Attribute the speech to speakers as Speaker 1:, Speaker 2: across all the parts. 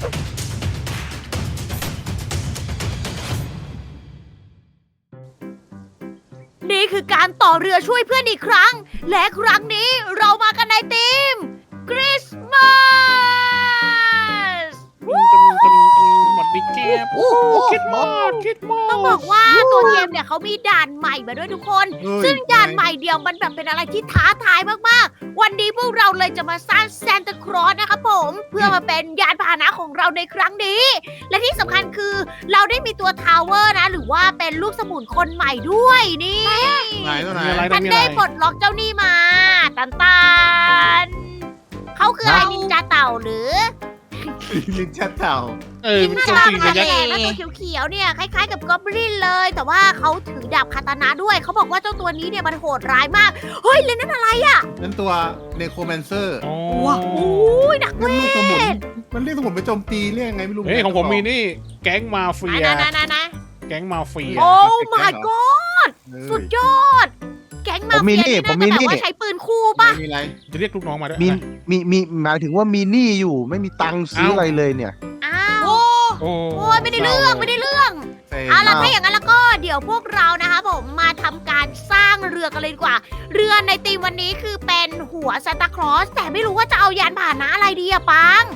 Speaker 1: นี่คือการต่อเรือช่วยเพื่อนอีกครั้ง และครั้งนี้เรามากันในทีมคริสต์มาส
Speaker 2: หมดดิแกบคิดมาก
Speaker 1: ต้องบอกว่าตัวเกมเนี่ยเขามีด่านใหม่มาด้วยทุกคน ซึ่งด่านใหม่เดียวมันแบบเป็นอะไรที่ท้าทายมากๆ วันนี้พวกเราเลยจะมาสร้างซานตาคลอสนะครับผมเพื่อมาเป็นยานพาหนะของเราในครั้งนี้ และที่สำคัญคือเราได้มีตัวทาวเวอร์นะหรือว่าเป็นลูกสมุนคนใหม่ด้วยนี่
Speaker 3: ไหนตัวไหน
Speaker 2: มีอะไร
Speaker 1: ฉัน
Speaker 2: มี
Speaker 1: ได้
Speaker 2: อะไร
Speaker 1: ปลดล็อกเจ้านี่มาตันเขาคืออะไรนินจาเต่าหรือ
Speaker 3: ลิ้นชัดเต่า
Speaker 2: มัน
Speaker 1: น่า
Speaker 2: โจม
Speaker 1: รัก
Speaker 2: ตี
Speaker 1: มา
Speaker 2: ระ
Speaker 1: ก
Speaker 2: ยะ
Speaker 1: เลยตัวเขียวๆเนี่ยคล้ายๆกับกอบลินเลย แต่ว่าเขาถือดาบคาตานะด้วยเขาบอกว่าเจ้าตัวนี้เนี่ยมันโหดร้ายมากเฮ้ยเลยนั่นอะไรอ่ะ
Speaker 3: นั่นตัวเนโครแมนเซอร์
Speaker 2: อ๋อ
Speaker 1: โอ้ยนักเว
Speaker 3: นั่นลูกสมุน
Speaker 1: ท
Speaker 3: มันเรียกสมุนไปโจมตีเรียกยังไงไม่รู้
Speaker 2: เฮ้ยของผมมีนี่แก๊งมาเฟีย
Speaker 1: นะ
Speaker 2: แก๊งมาเฟีย
Speaker 1: โอ้ my god สุดยอด แก๊งมาเฟียนี่น่าจะแบบว่าใช้ปืนคู่ป่ะ
Speaker 3: มีอะไร
Speaker 2: จะเรียกลูกน้องมาด้วย
Speaker 4: มีหมายถึงว่ามีหนี้อยู่ไม่มีตังค์ซื้ออะไรเลยเนี่ย
Speaker 1: อ้าว
Speaker 2: โอ้
Speaker 1: โอ้ยไม่ได้เรื่องไม่ได้เรื่อง
Speaker 3: เซ็ง
Speaker 1: เอาล่ะถ้าอย่างนั้นแล้วก็เดี๋ยวพวกเรานะคะผมมาทำการสร้างเรือกันเลยดีกว่า เรือในธีมวันนี้คือเป็นหัวซานตาคลอสแต่ไม่รู้ว่าจะเอายานพาหนะอะไรดีอะปัง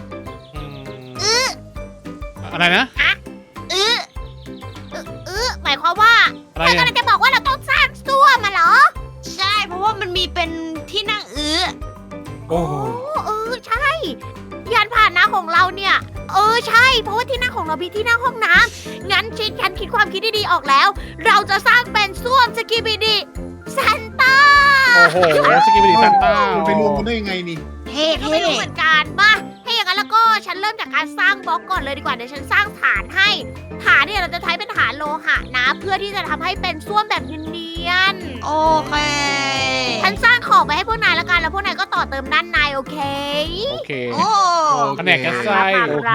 Speaker 2: อะไรนะ
Speaker 1: หมายความว่า
Speaker 2: อะไร
Speaker 1: เธอกำลังจะบอกว่าเราต้องสร้างซ่วมมาเหรอ
Speaker 5: ใช่ เพราะว่ามันมีเป็นที่นั่ง
Speaker 2: โอ้
Speaker 1: ใช่ ยานพาหนะของเราเนี่ย ใช่ เพราะว่าที่นั่งของเรามีที่นั่งห้องน้ำงั้นฉันคิดความคิดดีๆออกแล้ว เราจะสร้างเป็นซ่วมสกีบิดีซานต้า
Speaker 2: โอ้โหสกิปปี้ซันต้า
Speaker 3: มันไปรวมกันได้ยังไงนี่
Speaker 5: เท่
Speaker 1: ก็ไม่รู้เหมือนกันมาถ้าอย่างนั้นแล้วก็ฉันเริ่มจากการสร้างบล็อกก่อนเลยดีกว่าเดี๋ยวฉันสร้างฐานให้ ฐานเนี่ยเราจะใช้เป็นฐานโลหะนะ เพื่อที่จะทำให้เป็นส้วมแบบเนียน
Speaker 5: โอเค
Speaker 1: ๆฉันสร้างขอบไปให้พวกนายละกันแล้วพวกนายก็ต่อเติมด้านในโอเค
Speaker 2: โอเค
Speaker 5: โอ้
Speaker 2: แผนกกันไส้
Speaker 4: โอเค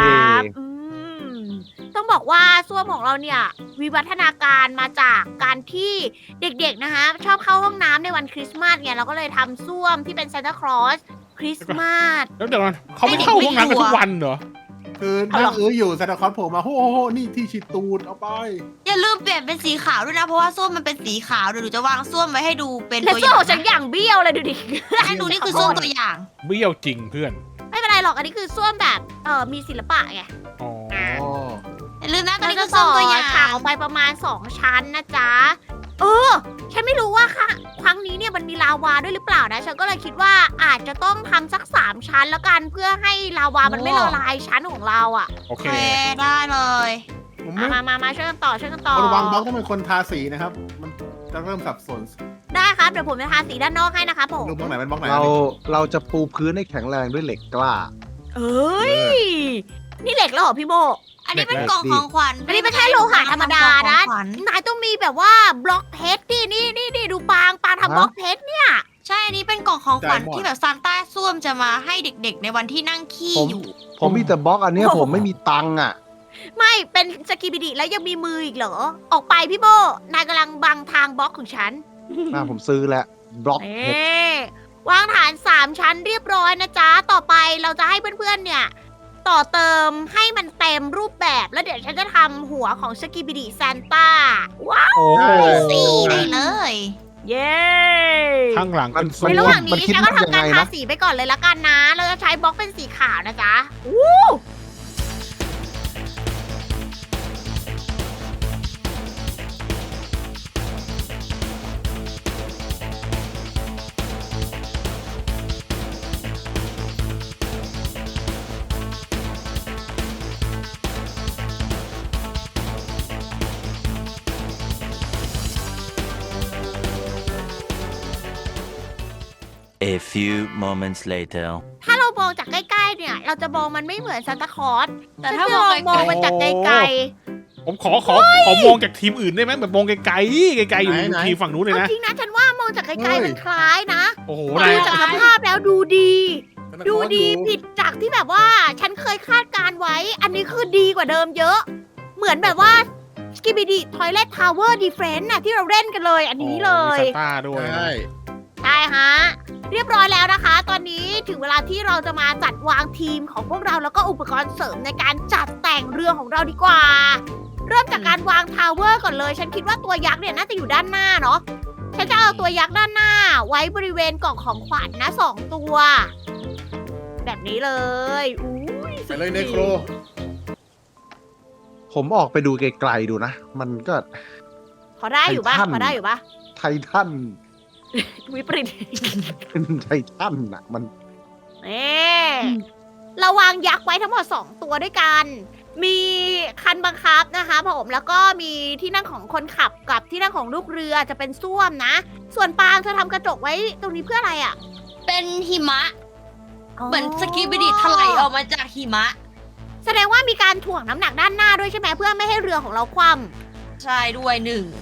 Speaker 1: ต้องบอกว่าส้วมของเราเนี่ยวิวัฒนาการมาจากการที่เด็กๆนะคะชอบเข้าห้องน้ำในวันคริสต์มาสเนี่ยเราก็เลยทำส้วมที่เป็นซานตาคลอสคริสต์มาส
Speaker 2: แล้วเดี๋ยวก่อนเขาไม่เข้าห้องน้ำกันทุกวันเหรอ
Speaker 3: คือนั่งอยู่ซานตาคลอสโผล่มาโอ้โหนี่ที่ฉีดตูดเอาไป
Speaker 5: อย่าลืมเปลี่ยนเป็นสีขาวด้วยนะ เพราะว่าส้วมมันเป็นสีขาวเดี๋ยวหนูจะวางส้วมไว้ให้ดูเป็น
Speaker 1: และ
Speaker 5: ตัวอ
Speaker 1: ส้วม
Speaker 5: ย่าง
Speaker 1: ของฉันอย่างเบี้ยวเลยดูดิ
Speaker 5: ให้ดูนี่คือส้วมตัวอย่าง
Speaker 2: เบี้ยวจริงเพื่อน
Speaker 1: ไม่เป็นไรหรอกอันนี้คือส้วมแบบมีศิลปะไง
Speaker 2: อ๋อ
Speaker 3: อ๋อ
Speaker 5: อย่าลืมนะตัว
Speaker 1: เรา
Speaker 5: นี้
Speaker 1: จะ
Speaker 5: คือส้
Speaker 1: ต่
Speaker 5: ว
Speaker 1: อ
Speaker 5: มตัวอย่าง
Speaker 1: ฉากออกไปประมาณ2ชั้นนะจ๊ะฉันไม่รู้ว่าค่ะครั้งนี้เนี่ยมันมีลาวาด้วยหรือเปล่านะฉันก็เลยคิดว่าอาจจะต้องทำสัก3ชั้นแล้วกันเพื่อให้ลาวามันไม่ละลายชั้นของเราอ่ะ
Speaker 2: โอ
Speaker 5: โอ
Speaker 2: เค
Speaker 5: เคได้เลย
Speaker 3: ผมไม่
Speaker 1: มาช่วยกันต่อช่วยกันต่อ
Speaker 3: ระวังบล็อกต้องเป็นคนทาสีนะครับ มันจะเริ่มสับสน
Speaker 1: ได้ครับเดี๋ยวผมจะทาสีด้านนอกให้นะคะผม
Speaker 3: ดูบล็อกไหนเป็นบล็อกไหน
Speaker 4: เราจะปูพื้นให้แข็งแรงด้วยเหล็กกล้า
Speaker 1: เอ้ยนี่เหล็กแล้วเหรอพี่โม
Speaker 5: อันนี้เป็นกล่องของขวัญ
Speaker 1: อันนี้ไม่ใช่โลหะธรรมดานะ
Speaker 5: กล่องของขวัญ
Speaker 1: นายต้องมีแบบว่าบล็อกเพชรนี่ดูปางทำบล็อกเพชรเนี่ย
Speaker 5: ใช่ อันนี้เป็นกล่องของขวัญที่แบบซานต้าส้วมจะมาให้เด็กๆ ในวันที่นั่งขี้
Speaker 4: ผม
Speaker 5: อยู่
Speaker 4: ผมมีแต่บล็อกอันเนี้ยผมไม่มีตังค์อ่ะ
Speaker 1: ไม่เป็นสกีบิดิแล้วยังมีมืออีกเหรอ ออกไปพี่โมนายกำลังบังทางบล็อกของฉัน
Speaker 4: ผมซื้อแล้วบล็อก
Speaker 1: เอ
Speaker 4: เพชร
Speaker 1: วางฐาน3ชั้นเรียบร้อยนะจ๊ะ ต่อไปเราจะให้เพื่อนๆเนี่ย ต่อเติมให้มันเต็มรูปแบบแล้วเดี๋ยวฉันจะทำหัวของสกีบิดิซานต้าว้าว
Speaker 2: โอ้โห
Speaker 5: สีได้เลย
Speaker 1: เย้
Speaker 2: ข้างหลังเป็น
Speaker 1: ในระหว่างนี้
Speaker 4: คิด
Speaker 1: ฉันก็
Speaker 4: ว่ายัง
Speaker 1: ทำ
Speaker 4: ไง
Speaker 1: การทา
Speaker 4: นะ
Speaker 1: สีไปก่อนเลยละกันนะ เราจะใช้บล็อกเป็นสีขาวนะจ๊ะ
Speaker 6: A few moments later.
Speaker 1: ถ้าเรามองจากใกล้ๆเนี่ย เราจะมองมันไม่เหมือนซานตาคลอส
Speaker 5: แต่ถ้ามองไกลๆ
Speaker 1: มองมันจากไกล
Speaker 2: ผมขอมองจากทีมอื่นได้ไหมแบบมองไกลๆไกลๆอยู่ทีมฝั่งนู้น
Speaker 1: ๆ
Speaker 2: เลย
Speaker 1: เอา
Speaker 2: นะ
Speaker 1: จริงนะฉันว่ามองจากไกลๆมันคล้ายนะ
Speaker 2: โอ้โห
Speaker 1: ดู
Speaker 2: นาย
Speaker 1: จากสภาพแล้วดูดี ดูดีผิดจากที่แบบว่าฉันเคยคาดการไว้ อันนี้คือดีกว่าเดิมเยอะ เหมือนแบบว่า Skibidi Toilet Tower Defense น่ะที่เราเล่นกันเลย อันนี้เลย
Speaker 2: มีซันต้าด้วย
Speaker 3: ใช่
Speaker 1: ใช่ฮะเรียบร้อยแล้วนะคะ ตอนนี้ถึงเวลาที่เราจะมาจัดวางทีมของพวกเราแล้วก็อุปกรณ์เสริมในการจัดแต่งเรือของเราดีกว่า เริ่มจากการวางทาวเวอร์ก่อนเลย ฉันคิดว่าตัวยักษ์เนี่ยน่าจะอยู่ด้านหน้าเนาะ ฉันจะเอาตัวยักษ์ด้านหน้า ไว้บริเวณกล่องของขวัญนะ2 ตัว แบบนี้เลยอุ้ย
Speaker 3: ไปเลยเนโคร
Speaker 4: ผมออกไปดูไกลๆดูนะ มันก็
Speaker 1: พอได้อยู่ปะ
Speaker 4: ไททัน
Speaker 1: พอได้อยู่ปะ
Speaker 4: ไททัน
Speaker 1: วิปริต
Speaker 4: เป็นไททันอะมัน
Speaker 1: นี่เราวางยักษ์ไว้ทั้งหมด2 ตัวด้วยกัน มีคันบังคับนะคะผมแล้วก็มีที่นั่งของคนขับกับที่นั่งของลูกเรือจะเป็นส้วมนะ ส่วนปางเธอทำกระจกไว้ตรงนี้เพื่ออะไรอ่ะ
Speaker 5: เป็นหิมะ เหมือนสกีบิดิถลายออกมาจากหิมะ
Speaker 1: แสดงว่ามีการถ่วงน้ำหนักด้านหน้าด้วยใช่ไหมเพื่อไม่ให้เรือของเราคว่ำ
Speaker 5: ใช่ด้วยหนึ่ง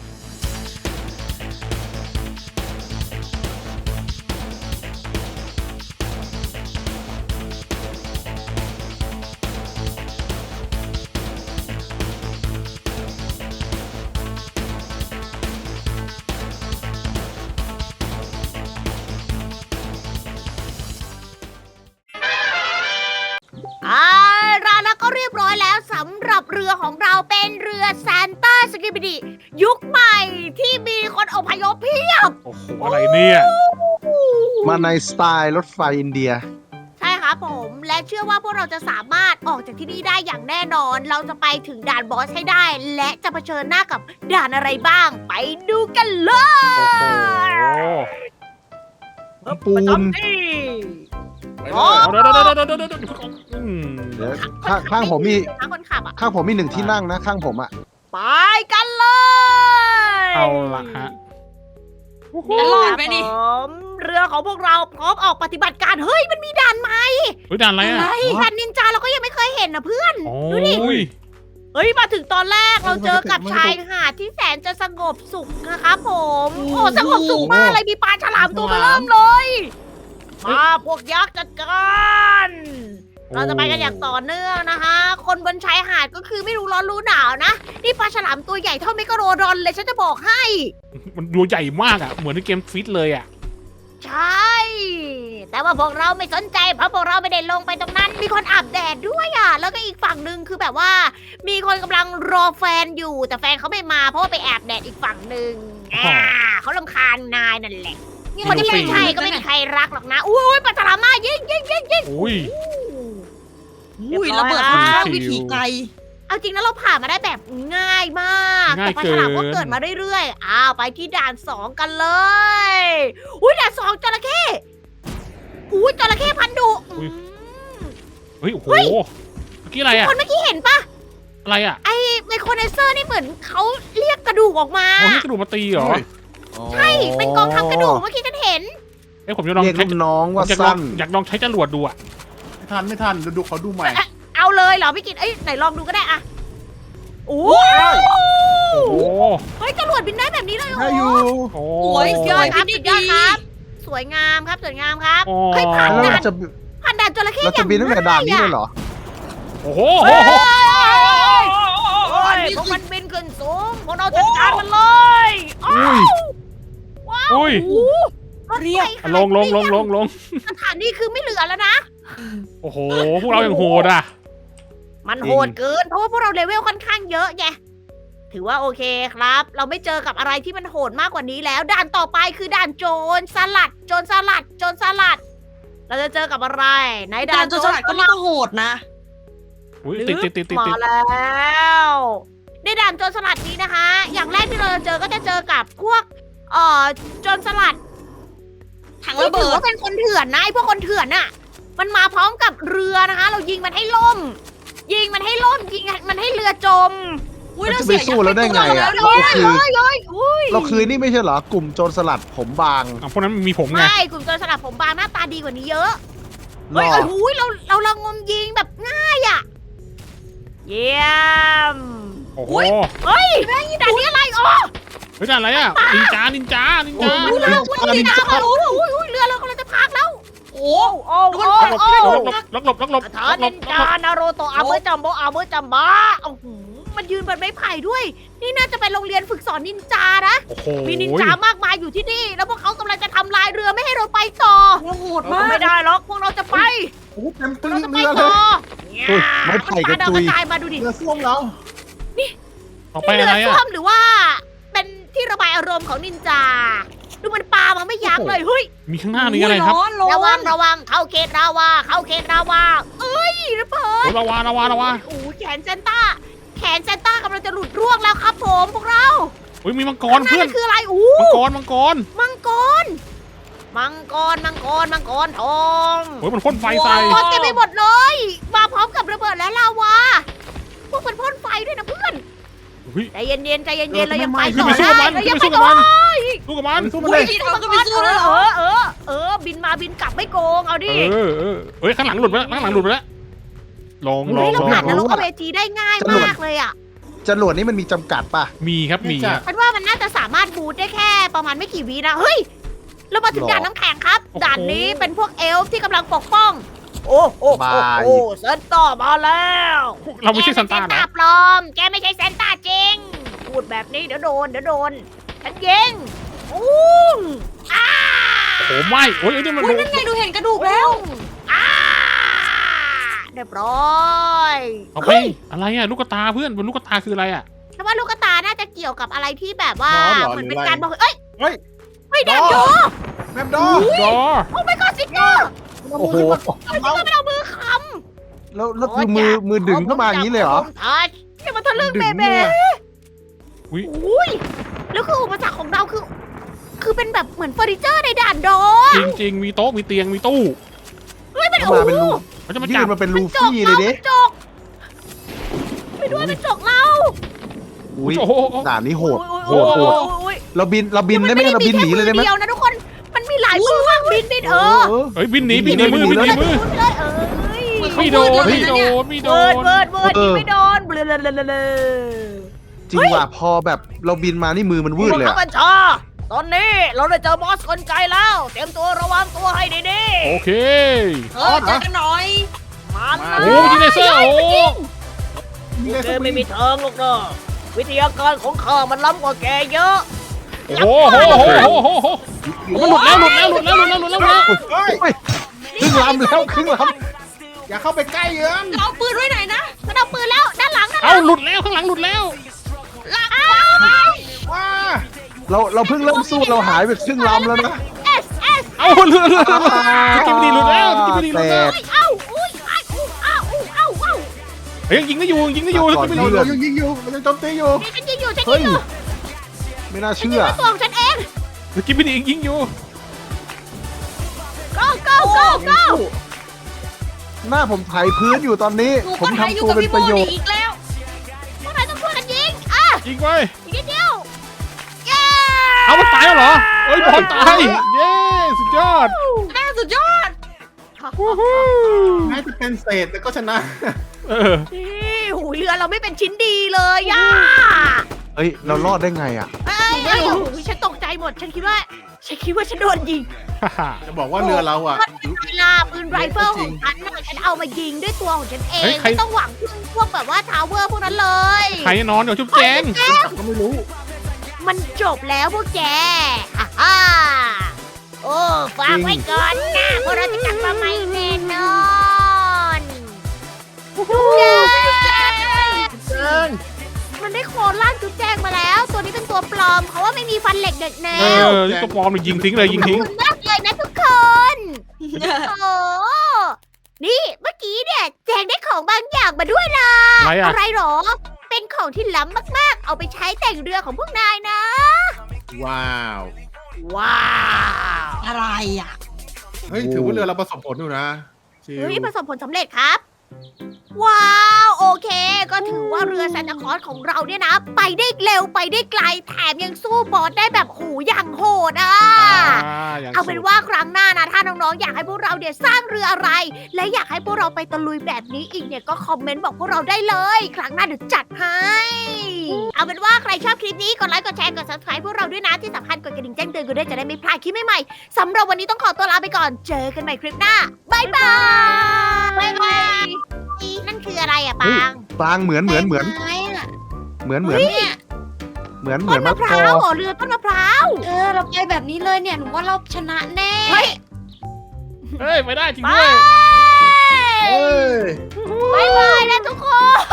Speaker 1: แล้วก็เรียบร้อยแล้วสำหรับเรือของเราเป็นเรือซานต้าสกิบิดิยุคใหม่ที่มีคนอพยพเพียบ
Speaker 2: โอ้โหอะไรเนี่ย
Speaker 4: มาในสไตล์รถไฟอินเดีย
Speaker 1: ใช่ครับผมและเชื่อว่าพวกเราจะสามารถออกจากที่นี่ได้อย่างแน่นอน เราจะไปถึงด่านบอสให้ได้ และจะเผชิญหน้ากับด่านอะไรบ้าง ไปดูกันเล
Speaker 2: โอ้โห
Speaker 1: ย
Speaker 4: ปูน
Speaker 1: ประจำที่
Speaker 3: ไป
Speaker 1: อ๋
Speaker 3: เล
Speaker 1: อ
Speaker 3: ย
Speaker 2: เดี๋ยว
Speaker 4: เดี๋ยวข้างผมมี
Speaker 1: ทางคนขับอ่ะ
Speaker 4: ข้างผมมี1 ที่นั่งนะ ข้างผมอะ
Speaker 1: ไปกันเลย
Speaker 2: เอาละฮะ
Speaker 5: จะรอดไหมนี่
Speaker 1: ผมเรือของพวกเราพร้อมออกปฏิบัติการเฮ้ยมันมีด่านใหม่
Speaker 2: เฮ้ยด่านอะไรอ่ะ
Speaker 1: ด่านนินจาเราก็ยังไม่เคยเห็นนะเพื่อน
Speaker 2: โอ้
Speaker 1: ดูดิ
Speaker 2: ย
Speaker 1: เฮ้ยมาถึงตอนแรกเราเจอกับชายหาดที่แสนจะสงบสุขนะครับผมโอ้สงบสุขมากเลยมีปลาฉลามตัวมาเริ่มเลยมาพวกยักษ์จัดการเราจะไปกันอย่างต่อเนื่องนะคะ คนบนชายหาดก็คือไม่รู้ร้อนรู้หนาวนะนี่ปลาฉลามตัวใหญ่เท่าเมกะโรดอนเลยฉันจะบอกให้
Speaker 2: มันดูใหญ่มากอ่ะเหมือนในเกมฟิตเลยอ่ะ
Speaker 1: ใช่ แต่ว่าพวกเราไม่สนใจเพราะพวกเราไม่ได้ลงไปตรงนั้น มีคนอาบแดดด้วยอ่ะ แล้วก็อีกฝั่งหนึ่งคือแบบว่า มีคนกำลังรอแฟนอยู่ แต่แฟนเขาไม่มาเพราะว่าไปแอบแดดอีกฝั่งหนึ่งเขารำคาญนายนั่นแหละ คนที่ไม่ใช่ก็ไม่มีใครรักหรอกนะ อุ้ยปัตตามายิง
Speaker 2: อุ้ย
Speaker 5: อุ้ยระเบิดค่อนข้างวิถีไกล
Speaker 1: เอาจริงนะเราผ่านมาได้แบบง่ายมาก
Speaker 2: ง่าย
Speaker 1: แต่ปลาฉลามก็เกิดมาเรื่อยๆ อ้าวไปที่ด่าน2กันเลย อุ้ยด่าน2จระเข้อุ้ยจระเข้พันธุ์ดุ
Speaker 2: เฮ้ยโอ้โหเมื่อกี้อะไรอ่ะ
Speaker 1: คนเมื่อกี้เห็นปะ
Speaker 2: อะไรอ่ะ
Speaker 1: ไมโครเนเซอร์นี่เหมือนเขาเรียกกระดูกออกมา
Speaker 2: โอ้นี่กระดูกมาตีเหรอ
Speaker 1: ใช่ เป็นกองทัพกระดูกเมื่อกี้ฉันเห็น
Speaker 2: เอ้ยผมจะลอง
Speaker 4: เรียก
Speaker 2: ใช้
Speaker 4: ลูกน้องว่า
Speaker 2: อยากลอ
Speaker 4: สั้
Speaker 2: ง
Speaker 4: น
Speaker 2: อยากลองใช้จรวดดูอ่ะ
Speaker 3: ไม่ทันดูเขาดูใหม่
Speaker 1: เอาเลยเหรอพี่กิตเอ้ยไหนลองดูก็ได้อะโอ้
Speaker 2: โอ้โห
Speaker 1: เฮ้ยจรวดบินได้แบบนี้เลยเหร
Speaker 4: ได้
Speaker 1: อ
Speaker 4: อยู่
Speaker 2: โอ้
Speaker 5: สวย
Speaker 1: สุดยอดครับสุดยอดครับ สวยงามครับสวยงามครับ
Speaker 2: โอ้
Speaker 1: เฮ้ยผ่าน
Speaker 4: แล้ว
Speaker 1: ด่า
Speaker 4: เรา
Speaker 1: น
Speaker 4: จะ
Speaker 1: ผ่านด่านจระเข้
Speaker 4: เราจะบินตั้งแต่ด่านนี้เลยเหรอ
Speaker 2: โอ้โห
Speaker 1: เฮ้ยโอ้ยพวกมันบินขึ้นสูงพวกเราจัดการมันเลย
Speaker 2: อุ้ย
Speaker 1: ว้าว
Speaker 2: อุ้ย
Speaker 1: โอ้โหรถไฟ
Speaker 2: อ่ะลง
Speaker 1: สถานีคือไม่เหลือแล้วนะ
Speaker 2: โอ้โหพวกเราอย่างโหดอ่ะ
Speaker 1: มันโหดเกิน เพราะว่าพวกเราเลเวลค่อนข้างเยอะไง ถือว่าโอเคครับ เราไม่เจอกับอะไรที่มันโหดมากกว่านี้แล้ว ด่านต่อไปคือด่านโจรสลัด โจรสลัด โจรสลัด เราจะเจอกับอะไรในด่า
Speaker 5: ด่าน นโจรสลัดก็ไม่ต้องโหดนะ
Speaker 2: อุ้ยติด
Speaker 1: มาแล้ว ในด่านโจรสลัดนี้นะคะ อย่างแรกที่เราจะเจอก็จะเจอกับพวกโจรสลัด
Speaker 5: ถัง
Speaker 1: ไม่
Speaker 5: ระเบิ
Speaker 1: ถือ
Speaker 5: ด
Speaker 1: ว่าเป็นคนเถื่อนนะไอ้พวกคนเถื่อนน่ะ มันมาพร้อมกับเรือนะคะ เรายิงมันให้ล่ม ยิงมันให้ล่ม ยิงมันให้เรือจม
Speaker 5: อุ้ย
Speaker 4: มัน
Speaker 5: เรา
Speaker 4: จะ
Speaker 5: เสี
Speaker 4: ไป
Speaker 5: ย
Speaker 4: สู้เราได้ไงอะ
Speaker 5: เรา
Speaker 4: เราคือ
Speaker 1: อุ้ย
Speaker 4: เราคือนี่ไม่ใช่เหรอกลุ่มโจรสลัดผมบาง
Speaker 2: อ่ะพวกนั้นมีผมไง
Speaker 1: ใช่กลุ่มโจรสลัดผมบางหน้าตาดีกว่านี้เยอะ
Speaker 4: หร
Speaker 1: เฮ้ย
Speaker 4: อ
Speaker 1: โอ้โหเราละงมยิงแบบง่ายอ่ะ เยี่ยม
Speaker 2: โอ้โห
Speaker 1: เฮ้ยด่านนี้อะไรอ๋อ
Speaker 2: เฮ้ยด่านอะไรอ่ะนินจา
Speaker 1: อุ้ยเรืออุ้ยน้ำมาอุ้ยเรือเรากำลังจะพังแล้ว
Speaker 5: โอ้
Speaker 1: โอ้โอ้
Speaker 2: หลบ
Speaker 1: ทานินจานาโรโตะอาเมอร์จัมโบอาเมอร์จัมบะโอ้โหมันยืนบนไม้ไผ่ด้วย นี่น่าจะเป็นโรงเรียนฝึกสอนนินจานะ
Speaker 2: โอ้โห
Speaker 1: มีนินจามากมายอยู่ที่นี่ แล้วพวกเขากำลังจะทำลายเรือไม่ให้เราไปต่อ
Speaker 5: โหด
Speaker 1: เรา
Speaker 5: มาก
Speaker 1: ไม่ได้หรอก พวกเราจะไป
Speaker 3: โอ้โหเต็มตื้
Speaker 1: เรา
Speaker 3: น
Speaker 1: จะไป
Speaker 3: เรือเล
Speaker 1: ต่
Speaker 3: ย
Speaker 1: อ
Speaker 4: อุ้ยไม้ไผ่กระจุย
Speaker 1: กระจายมาดูดิ
Speaker 3: เรือส้วมเรา
Speaker 2: ต่อไป
Speaker 1: นี่
Speaker 2: อะไร
Speaker 1: เรือ
Speaker 2: อ่ะ
Speaker 1: ส้วมหรือว่า เป็นที่ระบายอารมณ์ของนินจา ดูมันปามาไม่ยั้งเลย เฮ้ย
Speaker 2: มีข้างหน้ามีอะไรครับ
Speaker 5: ร้อนร้
Speaker 1: ระวั
Speaker 5: อง น
Speaker 1: ระวังเข้าเขตราวาเข้าเขตราวาเอ้ยระเบิด
Speaker 2: โอ้ระวาระวาระวา
Speaker 1: โอ้โหแขนเซนต้าากำลังจะหลุดร่วงแล้วครับผมพวกเรา
Speaker 2: เฮ้ยมีมังก
Speaker 1: ข้าร งหน้า
Speaker 2: เพื่อน
Speaker 1: นั่นคืออะไรอู้
Speaker 2: มังกร
Speaker 1: มังกรทอง
Speaker 2: เฮ้ยมันพ่นไฟใส่
Speaker 1: มังกรเต็มไปหมดเลย มาพร้อมกับระเบิดและลาวา พวกมันพ่นไฟด้วยนะเพื่อน
Speaker 2: เฮ้ย
Speaker 1: ใจเย็นๆเรายังไป
Speaker 2: ขึ้น
Speaker 1: ต่
Speaker 2: ไป
Speaker 1: อ
Speaker 2: สู้
Speaker 1: ได้
Speaker 2: กับมัน
Speaker 1: เรายัง
Speaker 2: ขึ้
Speaker 1: ไป
Speaker 2: นไปสู้
Speaker 1: ต่
Speaker 2: กับ
Speaker 1: อ
Speaker 2: มันสู้กับมัน
Speaker 3: สู้มันเลย
Speaker 5: เราก็ไปสู้เลยเหรอ
Speaker 1: บินมาบินกลับไม่โกงเอาดิ
Speaker 2: เฮ้ยข้างหลังหลุดไปแล้วข้างหลังหลุดไปแล้วลอง
Speaker 1: เฮ้ยเราผ่านนร
Speaker 4: ลอง
Speaker 1: กเวทีได้ง่ายมากเลยอ่ะ
Speaker 4: จรวดนี่มันมีจำกัดป่ะ
Speaker 2: มีครับมี
Speaker 3: จ้ะ
Speaker 1: ฉันว่ามันน่าจะสามารถบูทได้แค่ประมาณไม่กี่วินะเฮ้ยเรามาถึง
Speaker 4: หรอ
Speaker 1: ด่านน้ำแข็งครับ
Speaker 2: โอ้โห
Speaker 1: ด่านนี้เป็นพวกเอลฟ์ที่กำลังปกป้อง โอ้โห
Speaker 4: บาย
Speaker 1: เซนต้ามาแล้ว
Speaker 2: เราไม่ใช่ซันต้า
Speaker 1: แก
Speaker 2: เหร
Speaker 1: เป็
Speaker 2: อ
Speaker 1: ปลอม แกไม่ใช่เซนต้าจริง พูดแบบนี้เดี๋ยวโดน ฉันยิงอุ้งอ้า
Speaker 2: โอ้โหไม่โอ้ยไอ้นี่มัน
Speaker 5: อุ้ยนั่นไงดูเห็นกระดูกแล้ว
Speaker 1: อ้าเรียบร้อย
Speaker 2: เอาไปอะไรอ่ะลูกตาเพื่อนบนลูกตาคืออะไรอ่ะ
Speaker 1: ฉันว่าลูกตาน่าจะเกี่ยวกับอะไรที่แบบว่า
Speaker 3: ร้อนเหรอ
Speaker 1: เหมือน
Speaker 3: หรือ
Speaker 1: เป็น
Speaker 3: อะไร
Speaker 1: การบอกเอ้ย
Speaker 3: เฮ้ย
Speaker 1: ไม่ได้ดู
Speaker 3: แมปดอ
Speaker 2: ดอ
Speaker 1: โอ้ไม่ก็สิเกอร์
Speaker 4: โอ้โห
Speaker 1: มันก็ไม่เอามือค
Speaker 4: แล้วคือมือดึงเข้ามาอย่างนี้เลยเหรอ
Speaker 1: ทัชนี่มันทะลึ่งเบ
Speaker 3: ดึง
Speaker 1: เบ้
Speaker 3: เนี่ย
Speaker 1: อุ้ยแล้วคืออุปสรรคของเราคือเป็นแบบเหมือนเฟอร์นิเจอร์ในด่านดอ
Speaker 2: จริงมีโต๊ะมีเตียงมีตู้
Speaker 1: เฮ้ยมัน
Speaker 4: เข้า
Speaker 1: โอ้
Speaker 4: มาเป็น
Speaker 1: โห
Speaker 4: รู
Speaker 2: มันจะมา
Speaker 4: ยื่
Speaker 2: จับ
Speaker 4: นมาเป็นลู
Speaker 1: จก
Speaker 4: ฟี่เล
Speaker 1: เรา
Speaker 4: ยเด้
Speaker 1: จกไปด้วยมันจกเรา
Speaker 4: อุ้ย
Speaker 2: โอ้โห
Speaker 4: ด่านนี้โหด
Speaker 1: โอ้
Speaker 4: โหด เราบินได้ไหมเราบินหนีเลยได้ไหม
Speaker 1: เดียวนะทุกคน มันมีหลายมือมากบิน
Speaker 2: เฮ้ยบินหนีบินหนีมือบินหนีมือ
Speaker 1: เลยเอ้ย
Speaker 2: ไม่โดนไม่โดนไม่โด
Speaker 1: เวิร์ด
Speaker 2: น
Speaker 1: เวิร์ดยิงไม่โดนเบลอ
Speaker 4: จริงว่ะพอแบบเราบินมานี่มือมันวืดเลย
Speaker 1: ผู้
Speaker 4: อะ
Speaker 1: บัญชาตอนนี้เราได้เจอบอสคนใจแล้ว เตรียมตัวระวังตัวให้ดี
Speaker 2: โอเค
Speaker 5: เจอกันหน่อย
Speaker 1: ๆมา
Speaker 2: โอ้ยิงเลเซอร์โอ้
Speaker 1: แกไม่มีทางหรอกนะวิทยาการของข้ามันล้ำกว่าแกเยอะ
Speaker 2: โหมันหลุดแล้วหลุดแล้ว
Speaker 3: เฮ้ย
Speaker 4: เฮ้ยครึ่งลำแล้วครึ่งล
Speaker 3: อย่าเข้าไปใกล้เยือน
Speaker 5: เราปืนไว้ไหนนะ
Speaker 1: มันเอาปืนแล้วด้านหลังนะ
Speaker 2: เอาหลุดแล้วข้างหลังหลุดแล้ว
Speaker 3: ว้า
Speaker 4: ำเราเพิ่งเริ่มสู้เราหายไปครึ่งลำแล้วนะ
Speaker 1: เอส
Speaker 2: เอาเรือสกิมดีหลุดแล้วสกิมดีหลุดแล้ว
Speaker 1: เอ้าอุ้ยอ้าวอ้าวอ้าวอ้าว
Speaker 2: เฮ้ยยิงได้อยู่สกิมดี
Speaker 3: เรายังยิงอยู่เรายังโจมตีอยู่
Speaker 1: นี่ฉันยิงอยู่ฉัน
Speaker 4: เฮ้
Speaker 1: ยิ
Speaker 4: ย
Speaker 1: งอยู่
Speaker 4: ไม่น่า
Speaker 1: ฉัน
Speaker 4: เชื่
Speaker 1: ยิง
Speaker 4: อ
Speaker 1: ด้วยตัวของฉันเอง
Speaker 2: สกิมดียิงอยู่
Speaker 1: go go go go
Speaker 4: หน้าผมไถพื้นอยู่ตอนนี้
Speaker 5: หนู
Speaker 4: ผม
Speaker 5: ก็หายอยู่
Speaker 4: ทำตัว
Speaker 5: กับ
Speaker 4: เป็น
Speaker 5: พี่โม
Speaker 4: ประโยช
Speaker 5: นี่
Speaker 4: น์
Speaker 5: อีกแล้ว
Speaker 1: พวกนายต้องช่วยกันยิงอ่ะ
Speaker 2: ยิงไป
Speaker 1: อีกนิดเดียวเย้
Speaker 2: เอามันตายแล้วเหรอเอ้ยบอลตายเย้สุดยอด
Speaker 5: แม่สุดยอด
Speaker 3: แม้จะเป็นเศษแต่ก็ชนะ
Speaker 1: นี่หูเรือเราไม่เป็นชิ้นดีเลยอ่ะ
Speaker 4: เฮ้ยเรารอดได้ไงอ่ะ
Speaker 1: เอ้ยโอ้โหฉันตกใจหมด ฉันคิดว่าฉันโดนยิง
Speaker 3: จะบอกว่าเรือเราอ่ะ
Speaker 1: เวลาปืนไรเฟิลของฉันน่ะฉันเอามายิงด้วยตัวของฉันเอง ไม่ต้องหวังพึ่งพวกแบบว่าทาวเวอร์พวกนั้นเลย
Speaker 2: ใครนอนเดี๋ยวชุบแจง
Speaker 3: ก็ไม่รู้
Speaker 1: มันจบแล้วพวกแกฮ่าฮ่าโอ้ฝากไว้ก่อนนะพวกเราจะกลับมาใหม่แน่นอนเย้
Speaker 3: แจ้ง
Speaker 1: มันได้โคลนล่างจุดแจงมาแล้ว ตัวนี้เป็นตัวปลอมเขาว่าไม่มีฟันเหล็กเด็กแนว
Speaker 2: นี่ตัวปลอมยิงทิ้งเลยยิงทิ้ง
Speaker 1: ขอบคุณมากเลยนะทุกคนโอ้นี่เมื่อกี้เนี่ยแจงได้ของบางอย่างมาด้วยนะ
Speaker 2: อะไรอ่ะ
Speaker 1: อะไรหรอ เป็นของที่ล้ำมากๆ เอาไปใช้แต่งเรือของพวกนายนะ
Speaker 3: ว้าว
Speaker 1: ว้าว
Speaker 5: อะไรอ่ะ
Speaker 3: เฮ้ยถือว่าเรือเราประสบผลอยู่นะชิว
Speaker 1: เฮ้ยประสบผลสำเร็จครับ ว้าว โอเค ก็ถือว่าเรือซานตาคลอสของเราเนี่ยนะ ไปได้เร็วไปได้ไกล แถมยังสู้บอสได้แบบหูอย่างโหดอ่ะ เอาเป็นว่าครั้งหน้านะ ถ้าน้องๆ อยากให้พวกเราเนี่ยสร้างเรืออะไร และอยากให้พวกเราไปตะลุยแบบนี้อีกเนี่ยก็คอมเมนต์บอกพวกเราได้เลย ครั้งหน้าเดี๋ยวจัดให้ เอาเป็นว่าใครชอบคลิปนี้กดไลค์กดแชร์กด subscribe พวกเราด้วยนะที่สำคัญกดกระดิ่งแจ้งเตือนกันด้วยจะได้ไม่พลาดคลิปใหม่ๆสำหรับวันนี้ต้องขอตัวลาไปก่อนเจอกันใหม่คลิปหน้าบายบายนั่นคืออะไรอะปาง
Speaker 4: ปางเหมือน
Speaker 5: ไม้อะ
Speaker 4: เหมือน
Speaker 1: เฮ้ย ต้น
Speaker 4: มะ
Speaker 1: มะพ
Speaker 4: ก
Speaker 1: ร้า
Speaker 4: อ
Speaker 1: วเหรอเรือต้นมะพร้าว
Speaker 5: เราไปแบบนี้เลยเนี่ยหนูว่าเราชนะแน่
Speaker 1: เฮ้ย
Speaker 2: เฮ้ยไม่ได้จริง
Speaker 1: ไป
Speaker 2: ด้วย
Speaker 4: เอ้ย
Speaker 1: บายบายนะทุกคน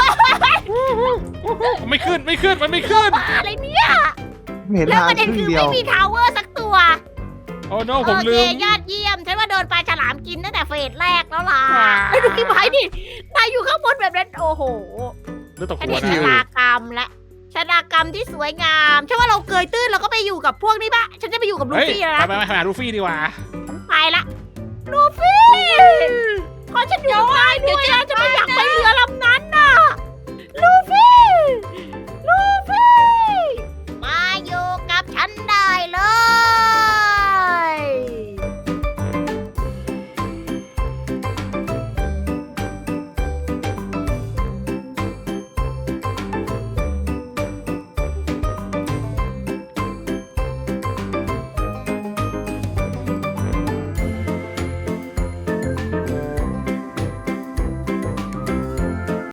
Speaker 2: ไม่ขึ้นมันไม่ขึ้น
Speaker 1: บ้าอะไรเนี่ย
Speaker 4: ไม่เห็น
Speaker 1: แล้ว
Speaker 4: ทาง
Speaker 1: ประเด็น
Speaker 4: ครึ่
Speaker 1: คื
Speaker 4: ง
Speaker 1: อ
Speaker 4: เดียว
Speaker 1: ไม่มีทาวเวอร์สักตัว
Speaker 2: โอ้โนผม
Speaker 1: โอ
Speaker 2: ลื
Speaker 1: เค
Speaker 2: ม
Speaker 1: ยอดเยี่ยมฉันว่าโดนปลาฉลามกินตั้งแต่เฟสแรกแล้วล่ะ
Speaker 2: ว้าว
Speaker 1: ไอ้ยดูกี่ไม้ดินายอยู่ข้างบนแบบนั้นโอ้โห
Speaker 2: เลือดตก
Speaker 1: ฉัน
Speaker 2: หัว
Speaker 1: เห็น
Speaker 2: นะ
Speaker 1: ชะตากรรมและชะตากรรมที่สวยงามฉันว่าเราเกยตื้นเราก็ไปอยู่กับพวกนี้ปะฉันจะไปอยู่กับลู
Speaker 2: เฮ้ย
Speaker 1: ฟี่แล้ว
Speaker 2: ไป
Speaker 1: นะ
Speaker 2: ไปหาลูฟี่ดีกว่า
Speaker 1: ไปละลูฟี่ขอฉันอยู่ด้วยด้วยนะฉันไม่อยากไปเรือ